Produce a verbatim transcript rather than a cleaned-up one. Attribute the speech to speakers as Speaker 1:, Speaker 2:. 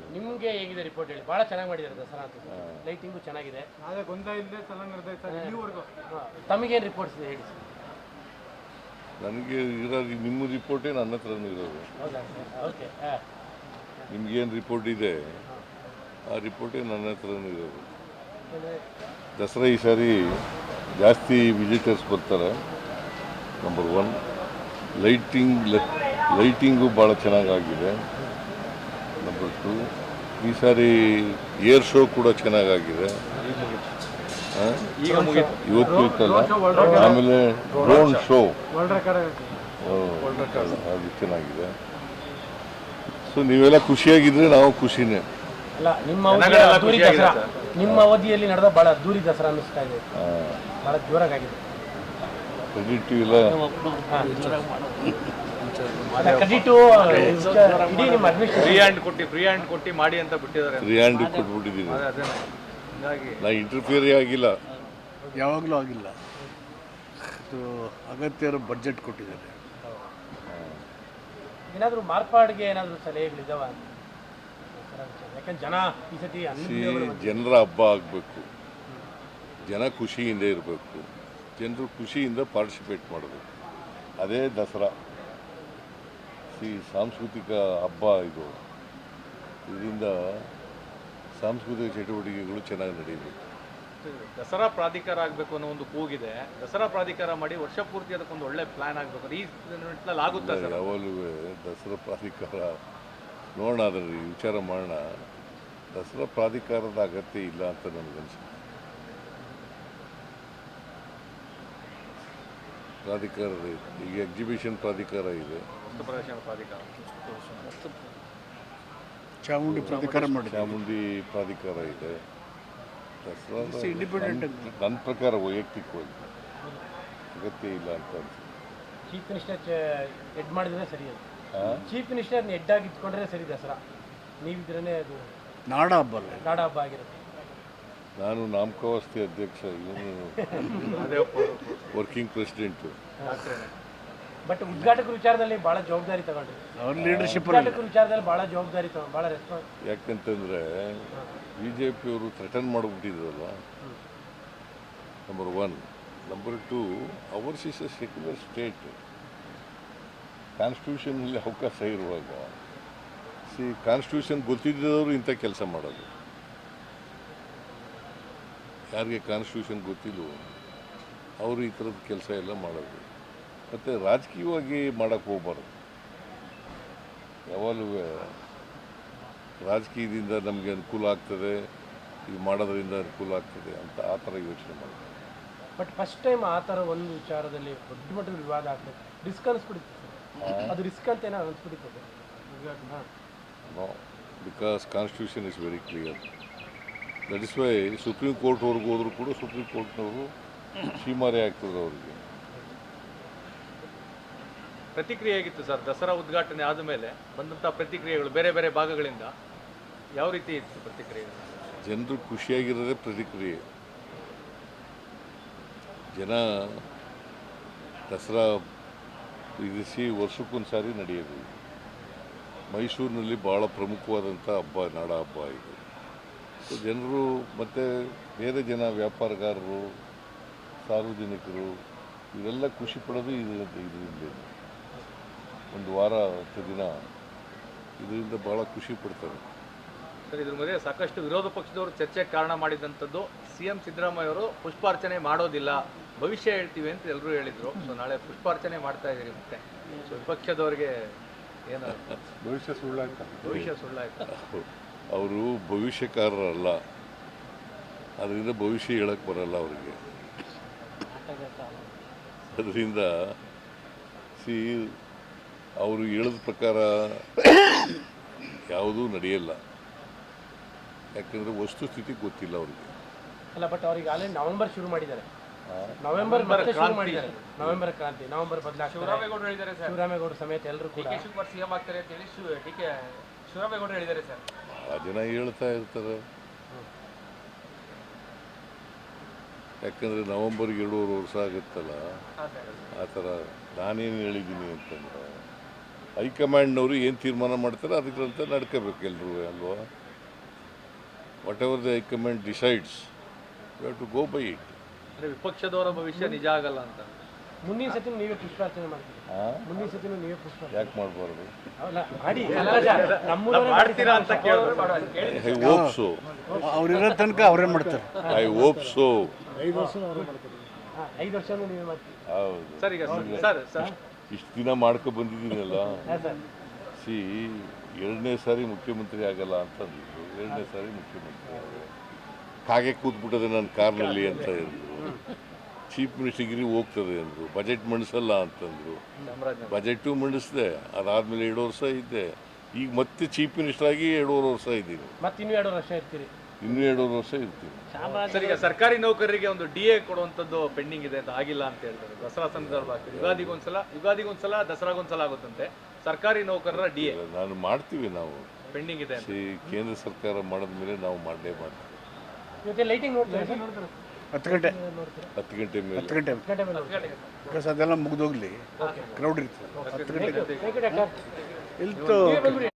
Speaker 1: ನಿಮಗೆ ಹೇಗಿದೆ ರಿಪೋರ್ಟ್ ಹೇಳಿ? ಭಾಳ ಚೆನ್ನಾಗಿ ಮಾಡಿದ್ದಾರೆ ದಸರಾ ಅಂತ. ಲೈಟಿಂಗು ಚೆನ್ನಾಗಿದೆ,
Speaker 2: ಅದೇ ಗೊಂದಲ ಇಲ್ಲದೆ ಚೆನ್ನಾಗಿ ನಡೆದೈತೆ ಸರ್ ಇಲ್ಲಿವರೆಗೂ.
Speaker 1: ತಮಗೇನು ರಿಪೋರ್ಟ್ಸ್ ಇದೆ ಹೇಳಿ ಸರ್?
Speaker 3: ನನಗೆ ಇರೋದು ನಿಮ್ಮ ರಿಪೋರ್ಟೇ ನನ್ನ ಹತ್ರನೂ ಇರೋದು.
Speaker 1: ಹೌದಾ ಸರ್? ಓಕೆ.
Speaker 3: ನಿಮ್ಗೇನು ರಿಪೋರ್ಟ್ ಇದೆ ಆ ರಿಪೋರ್ಟೇ ನನ್ನ ಹತ್ರನೂ ಇರೋದು. ದಸರಾ ಈ ಸಾರಿ ಜಾಸ್ತಿ ವಿಸಿಟರ್ಸ್ ಬರ್ತಾರೆ. ನಂಬರ್ ಒನ್, ಲೈಟಿಂಗ್ ಲೈಟಿಂಗು ಭಾಳ ಚೆನ್ನಾಗಾಗಿದೆ. ನಂಬರ್ ಟು, ಈ ಸಾರಿ ಏರ್ ಶೋ ಕೂಡ ಚೆನ್ನಾಗಾಗಿದೆ. ಇವತ್ತು ಇತ್ತಲ್ಲ, ಆಮೇಲೆ ಡ್ರೋನ್ ಶೋ ಅದು ಚೆನ್ನಾಗಿದೆ. ಸೊ ನೀವೆಲ್ಲ ಖುಷಿಯಾಗಿದ್ರೆ ನಾವು ಖುಷಿನೇ.
Speaker 1: ಅಲ್ಲ, ನಿಮ್ಮ ಅವಧಿಯಲ್ಲಿ ಅದ್ದೂರಿ ದಸರಾ ನಿಮ್ಮ ಅವಧಿಯಲ್ಲಿ ನಡೆದ ಭಾಳ ಅದ್ದೂರಿ ದಸರಾ ಅನ್ನಿಸ್ತಾ ಇದೆ, ಭಾಳ ಜೋರಾಗಿದೆ.
Speaker 3: ಕ್ರೆಡಿಟ್ ಇಲ್ಲ,
Speaker 1: ಕ್ರೆಡಿಟು ಇಡೀ ನಿಮ್ಮ ಅಡ್ಮಿನಿಸ್ಟ್ರೇಷನ್
Speaker 2: ಫ್ರೀ ಹ್ಯಾಂಡ್ ಕೊಟ್ಟು ಫ್ರೀ ಹ್ಯಾಂಡ್ ಕೊಟ್ಟು ಮಾಡಿ ಅಂತ ಬಿಟ್ಟಿದ್ದಾರೆ.
Speaker 3: ಫ್ರೀ ಹ್ಯಾಂಡ್ ಕೊಟ್ಬಿಟ್ಟಿದ್ದೀನಿ. ನಾ ಇಂಟರ್ಫಿಯರ್ ಆಗಿಲ್ಲ,
Speaker 4: ಯಾವಾಗಲೂ ಆಗಿಲ್ಲ. ಇದು ಅಗತ್ಯ ಇರೋ ಬಡ್ಜೆಟ್ ಕೊಟ್ಟಿದ್ದಾರೆ.
Speaker 1: ಏನಾದರೂ ಮಾರ್ಪಾಡಿಗೆ ಏನಾದರೂ ಸಲಹೆಗಳಿದ್ದಾವ? ಯಾಕಂದ್ರೆ ಜನ ಈ ಸತಿ
Speaker 3: ಜನರ ಹಬ್ಬ ಆಗಬೇಕು, ಜನ ಖುಷಿಯಿಂದ ಇರಬೇಕು, ಜನರು ಖುಷಿಯಿಂದ ಪಾರ್ಟಿಸಿಪೇಟ್ ಮಾಡಬೇಕು. ಅದೇ ದಸರಾ. ಸಿ ಸಾಂಸ್ಕೃತಿಕ ಹಬ್ಬ ಇದು. ಇದರಿಂದ ಸಾಂಸ್ಕೃತಿಕ ಚಟುವಟಿಕೆಗಳು ಚೆನ್ನಾಗಿ ನಡೆಯಬೇಕು.
Speaker 2: ದಸರಾ ಪ್ರಾಧಿಕಾರ ಆಗಬೇಕು ಅನ್ನೋ ಒಂದು ಕೂಗಿದೆ. ದಸರಾ ಪ್ರಾಧಿಕಾರ ಮಾಡಿ ವರ್ಷ ಪೂರ್ತಿ ಅದಕ್ಕೊಂದು ಒಳ್ಳೆ ಪ್ಲಾನ್ ಆಗಬೇಕು. ಈ ನಿಟ್ಟಿನಲ್ಲಿ ಆಗುತ್ತೆ ಸರ್?
Speaker 3: ಯಾವಾಗಲೂ ದಸರಾ ಪ್ರಾಧಿಕಾರ ನೋಡೋಣ, ಅದರಲ್ಲಿ ವಿಚಾರ ಮಾಡೋಣ. ದಸರಾ ಪ್ರಾಧಿಕಾರದ ಅಗತ್ಯ ಇಲ್ಲ ಅಂತ ನನಗನ್ಸುತ್ತೆ. ಪ್ರಾಧಿಕಾರದ ಈಗ ಎಕ್ಸಿಬಿಷನ್ ಪ್ರಾಧಿಕಾರ ಇದೆ,
Speaker 2: ಪ್ರಾಧಿಕಾರ
Speaker 4: ಚಾಮುಂಡಿ ಪ್ರಾಧಿಕಾರ ಮಾಡಿ
Speaker 3: ಚಾಮುಂಡಿ ಪ್ರಾಧಿಕಾರ ಇದೆ. ದಸರಾ ಇಂಡಿಪೆಂಡೆಂಟ್ ನನ್ನ ಪ್ರಕಾರ ವೈಯಕ್ತಿಕವಾಗಿ ಅಗತ್ಯ ಇಲ್ಲ ಅಂತ ಅನ್ಸುತ್ತೆ.
Speaker 1: ಚೀಫ್ ಮಿನಿಸ್ಟರ್ ಹೆಡ್ ಮಾಡಿದ್ರೆ ಸರಿ. ಅದು ಚೀಫ್ ಮಿನಿಸ್ಟರ್ ಹೆಡ್ ಆಗಿ ಇಟ್ಕೊಂಡ್ರೆ ಸರಿ ದಸರಾ. ನೀವಿದ್ರೇ ಅದು
Speaker 4: ನಾಡ ಹಬ್ಬ ಅಲ್ಲ,
Speaker 1: ನಾಡ ಹಬ್ಬ ಆಗಿರುತ್ತೆ.
Speaker 3: ನಾನು ನಾಮಕಾವಸ್ಥೆ ಅಧ್ಯಕ್ಷ, ಇವನು ವರ್ಕಿಂಗ್ ಪ್ರೆಸಿಡೆಂಟು.
Speaker 1: ಬಟ್ ಉದ್ಘಾಟಕ ವಿಚಾರದಲ್ಲಿ ಭಾಳ ಜವಾಬ್ದಾರಿ ತಗೊಂಡ್ರಿ.
Speaker 4: ಅವ್ರ ಲೀಡರ್ಶಿಪ್
Speaker 1: ಉದ್ಘಾಟಕ ವಿಚಾರದಲ್ಲಿ ಭಾಳ ಜವಾಬ್ದಾರಿ ತಗೊಂಡು ಭಾಳ ರೆಸ್ಪಾನ್ಸ್.
Speaker 3: ಯಾಕಂತಂದರೆ ಬಿ ಜೆ ಪಿಯವರು ಥ್ರೆಟನ್ ಮಾಡಿಬಿಟ್ಟಿದ್ರಲ್ಲ, number one. Number two, ours is a secular state. ಕಾನ್ಸ್ಟಿಟ್ಯೂಷನಲ್ಲಿ ಅವಕಾಶ ಇರುವಾಗ ಸಿ ಕಾನ್ಸ್ಟಿಟ್ಯೂಷನ್ ಗೊತ್ತಿದ್ದವರು ಇಂಥ ಕೆಲಸ ಮಾಡೋದು. ಯಾರಿಗೆ ಕಾನ್ಸ್ಟಿಟ್ಯೂಷನ್ ಗೊತ್ತಿಲ್ಲವೋ ಅವರು ಈ ಥರದ ಕೆಲಸ ಎಲ್ಲ ಮಾಡೋದು. ಮತ್ತು ರಾಜಕೀಯವಾಗಿ ಮಾಡೋಕ್ಕೆ ಹೋಗ್ಬಾರ್ದು. ಯಾವಾಗಲೂ ರಾಜಕೀಯದಿಂದ ನಮಗೆ ಅನುಕೂಲ ಆಗ್ತದೆ, ಇದು ಮಾಡೋದ್ರಿಂದ ಅನುಕೂಲ ಆಗ್ತದೆ ಅಂತ ಆ ಥರ ಯೋಚನೆ ಮಾಡ್ತಾರೆ.
Speaker 1: ಬಟ್ ಫಸ್ಟ್ ಟೈಮ್ ಆ ಥರ ಒಂದು ವಿಚಾರದಲ್ಲಿ ದೊಡ್ಡ ಮಟ್ಟದ ವಿವಾದ ಆಗ್ತದೆ. ರಿಸ್ಕ್ ಅನಿಸ್ಬಿಡುತ್ತೆ ಅದು, ರಿಸ್ಕ್ ಅಂತ ಏನೋ ಅನಿಸ್ಬಿಡುತ್ತದೆ.
Speaker 3: No, because constitution is very clear. That is why Supreme ಕೋರ್ಟ್ವರೆಗೂ ಹೋದರೂ ಕೂಡ ಸುಪ್ರೀಂ ಕೋರ್ಟ್ನವರು ಸೀಮಾರೆ ಆಗ್ತದೆ ಅವರಿಗೆ.
Speaker 2: ಪ್ರತಿಕ್ರಿಯೆ ಆಗಿತ್ತು ಸರ್ ದಸರಾ ಉದ್ಘಾಟನೆ ಆದ ಮೇಲೆ ಬಂದಂಥ ಪ್ರತಿಕ್ರಿಯೆಗಳು ಬೇರೆ ಬೇರೆ ಭಾಗಗಳಿಂದ ಯಾವ ರೀತಿ ಇತ್ತು ಪ್ರತಿಕ್ರಿಯೆ?
Speaker 3: ಜನರು ಖುಷಿಯಾಗಿರೋದೇ ಪ್ರತಿಕ್ರಿಯೆ. ಜನ ದಸರಾ ಇರಿಸಿ ವರ್ಷಕ್ಕೊಂದು ಸಾರಿ ನಡೆಯೋದು. ಮೈಸೂರಿನಲ್ಲಿ ಭಾಳ ಪ್ರಮುಖವಾದಂಥ ಹಬ್ಬ, ನಾಡ ಹಬ್ಬ ಇದು. ಸೊ ಜನರು ಮತ್ತು ಬೇರೆ ಜನ ವ್ಯಾಪಾರಗಾರರು, ಸಾರ್ವಜನಿಕರು ಇವರೆಲ್ಲ ಖುಷಿ ಪಡೋದು ಇದರಿಂದ. ಇದರಿಂದ ಒಂದು ವಾರ ಹತ್ತು ದಿನ ಇದರಿಂದ ಭಾಳ ಖುಷಿ ಪಡ್ತಾರೆ
Speaker 2: ಸರ್. ಇದ್ರ ಮಧ್ಯೆ ಸಾಕಷ್ಟು ವಿರೋಧ ಪಕ್ಷದವರು ಚರ್ಚೆಗೆ ಕಾರಣ ಮಾಡಿದಂಥದ್ದು ಸಿ ಎಂ ಸಿದ್ದರಾಮಯ್ಯ ಅವರು ಪುಷ್ಪಾರ್ಚನೆ ಮಾಡೋದಿಲ್ಲ, ಭವಿಷ್ಯ ಹೇಳ್ತೀವಿ ಅಂತ ಎಲ್ಲರೂ ಹೇಳಿದರು. ಸೊ ನಾಳೆ ಪುಷ್ಪಾರ್ಚನೆ ಮಾಡ್ತಾ ಇದ್ದೀರಿ ಮತ್ತೆ. ಸೊ ವಿಪಕ್ಷದವರಿಗೆ ಏನು
Speaker 3: ಭವಿಷ್ಯ ಸುಳ್ಳಾಯ್ತು?
Speaker 2: ಭವಿಷ್ಯ ಸುಳ್ಳಾಯ್ತು.
Speaker 3: ಅವರು ಭವಿಷ್ಯಕಾರರಲ್ಲ, ಅದರಿಂದ ಭವಿಷ್ಯ ಹೇಳಕ್ಕೆ ಬರಲ್ಲ ಅವರಿಗೆ. ಅದರಿಂದ ಸಿ ಅವರು ಹೇಳಿದ ಪ್ರಕಾರ ಯಾವುದೂ ನಡೆಯಲ್ಲ. ಯಾಕಂದರೆ ವಸ್ತುಸ್ಥಿತಿ ಗೊತ್ತಿಲ್ಲ ಅವ್ರಿಗೆ.
Speaker 1: ಅಲ್ಲ, ಬಟ್ ಅವ್ರಿಗೆ ಆಲ್ರೆಡಿ ನವೆಂಬರ್ ಶುರು ಮಾಡಿದ್ದಾರೆ. ನವೆಂಬರ್ ಮತ್ತೆ ಶುರು ಮಾಡಿದ್ದಾರೆ. ನವೆಂಬರ್ ಕ್ರಾಂತಿ, ನವೆಂಬರ್ ಬದಲಾಗ್ತದೆ.
Speaker 2: ಶಿವರಾಮೇಗೌಡರು ಹೇಳಿದ್ದಾರೆ ಸರ್.
Speaker 1: ಶಿವರಾಮೇಗೌಡರು ಸಮೇತ ಎಲ್ಲರೂ ಕೂಡ
Speaker 2: ಶಿವಕುಮಾರ್ ಸಿಎಂ ಆಗ್ತಾರೆ ಅಂತ ಹೇಳಿ ಡಿ ಕೆ ಶಿವರಾಮೇಗೌಡರು ಹೇಳಿದ್ದಾರೆ ಸರ್.
Speaker 3: ಆ ಜನ ಹೇಳ್ತಾ ಇರ್ತಾರೆ. ಯಾಕಂದರೆ ನವಂಬರ್ಗೆ ಎರಡೂವರೆ ವರ್ಷ ಆಗುತ್ತಲ್ಲ, ಆ ಥರ ನಾನೇನು ಹೇಳಿದ್ದೀನಿ ಅಂತಂದ್ರೆ ಹೈಕಮಾಂಡ್ನವರು ಏನು ತೀರ್ಮಾನ ಮಾಡ್ತಾರೆ ಅದಕ್ಕಂತ ನಡ್ಕೋಬೇಕು ಎಲ್ಲರೂ ಅಲ್ವಾ. Whatever the high command decides you have to go by it.
Speaker 2: ಅಂದರೆ ವಿಪಕ್ಷದವರ ಭವಿಷ್ಯ ನಿಜ ಆಗಲ್ಲ ಅಂತ.
Speaker 1: ಮುಂದಿನ ಸತಿ ನೀವೇ ಪುಷ್ಪಾರ್ಚನೆ ಮಾಡ್ತೀರಿ, ಮುಂದಿನ ಸತಿ ನೀವೇ ಪುಷ್ಪಾರ್ಚನೆ
Speaker 3: ಯಾಕೆ ಮಾಡಬಾರ್ದು?
Speaker 1: ಅಲ್ಲ, ಮಾಡಿ ನಮ್ಮೂರವರೇ
Speaker 2: ಮಾಡ್ತೀರಾ ಅಂತ ಕೇಳಿದ್ರು.
Speaker 3: I hope so.
Speaker 4: ಅವ್ರಿರೋ ತನಕ ಅವರೇ ಮಾಡ್ತಾರೆ.
Speaker 3: I hope so.
Speaker 1: ಐದು ವರ್ಷನೂ ನೀವೇ ಮಾಡ್ತೀರಿ.
Speaker 3: ಹೌದು.
Speaker 2: ಸರ್ ಈಗ ಸರ್ ಸರ್
Speaker 3: ಇಷ್ಟು ದಿನ ಮಾಡ್ಕೊ ಬಂದಿದ್ದೀನಲ್ಲ.
Speaker 1: ಹಾಂ ಸರ್.
Speaker 3: ಸಿ ಎರಡನೇ ಸಾರಿ ಮುಖ್ಯಮಂತ್ರಿ ಆಗಲ್ಲ ಅಂತಂದಿದ್ರು, ಎರಡನೇ ಸಾರಿ ಮುಖ್ಯಮಂತ್ರಿ ಆದೆ. ಕಾಗೆ ಕೂತ್ಬಿಟ್ಟದೆ ನನ್ನ ಕಾರ್ನಲ್ಲಿ ಅಂತ ಹೇಳಿದ್ರು. ಚೀಫ್ ಮಿನಿಸ್ಟರ್ಗಿರಿ ಹೋಗ್ತದೆ ಅಂದರು. ಬಜೆಟ್ ಮಂಡಿಸಲ್ಲ ಅಂತಂದರು. ಬಜೆಟು ಮಂಡಿಸಿದೆ, ಅದಾದಮೇಲೆ ಎರಡು ವರ್ಷ ಇದ್ದೆ. ಈಗ ಮತ್ತೆ ಚೀಫ್ ಮಿನಿಸ್ಟರ್ ಆಗಿ ಎರಡೂವರೆ ವರ್ಷ ಇದ್ದೀನಿ.
Speaker 1: ಮತ್ತೆ ಇನ್ನೂ ಎರಡು ವರ್ಷ ಇರ್ತೀರಿ.
Speaker 3: ಇನ್ನೂ ಎರಡೂವರೆ ವರ್ಷ ಇರ್ತೀನಿ.
Speaker 2: ಸರ್ ಈಗ ಸರ್ಕಾರಿ ನೌಕರರಿಗೆ ಒಂದು ಡಿ ಎ ಕೊಡುವಂಥದ್ದು ಪೆಂಡಿಂಗ್ ಇದೆ ಅಂತ, ಆಗಿಲ್ಲ ಅಂತ ಹೇಳ್ತಾರೆ. ದಸರಾ ಸಂದರ್ಭ ಆಗ್ತದೆ, ಯುಗಾದಿಗೊಂದ್ಸಲ ಯುಗಾದಿಗೊಂದ್ಸಲ ದಸರಾಗೊಂದ್ಸಲ ಆಗುತ್ತಂತೆ. ಸರ್ಕಾರಿ ನೌಕರರ ಡಿ ಎ
Speaker 3: ನಾನು ಮಾಡ್ತೀವಿ, ನಾವು
Speaker 2: ಪೆಂಡಿಂಗ್ ಇದೆ ಅಂತ.
Speaker 3: ಸಿ ಕೇಂದ್ರ ಸರ್ಕಾರ ಮಾಡಿದ ಮೇಲೆ ನಾವು ಮಾಡಲೇ ಮಾಡ್ತೀವಿ.
Speaker 1: ಇವತ್ತೆ ಲೈಟಿಂಗ್ ನೋಡ್ತೀರಾ ಸರ್?
Speaker 4: ಹತ್ತು ಗಂಟೆ
Speaker 3: ಹತ್ತು ಗಂಟೆ ಮೇಲೆ
Speaker 4: ಹತ್ತು ಗಂಟೆ
Speaker 1: ಗಂಟೆ ಮೇಲೆ ನೋಡ್ತೀರಾ?
Speaker 4: ಬಿಕಾಸ್ ಅದೆಲ್ಲ ಮುಗಿದೋಗ್ಲಿ, ಕ್ರೌಡ್ ಇರ್ತದೆ. ಹತ್ತು ಗಂಟೆ
Speaker 1: ಥ್ಯಾಂಕ್ ಯು ಡಾಕ್ಟರ್.
Speaker 4: ಇಲ್ತು
Speaker 1: ನೀವೇ ಬಂದ್ಬಿಡಿ.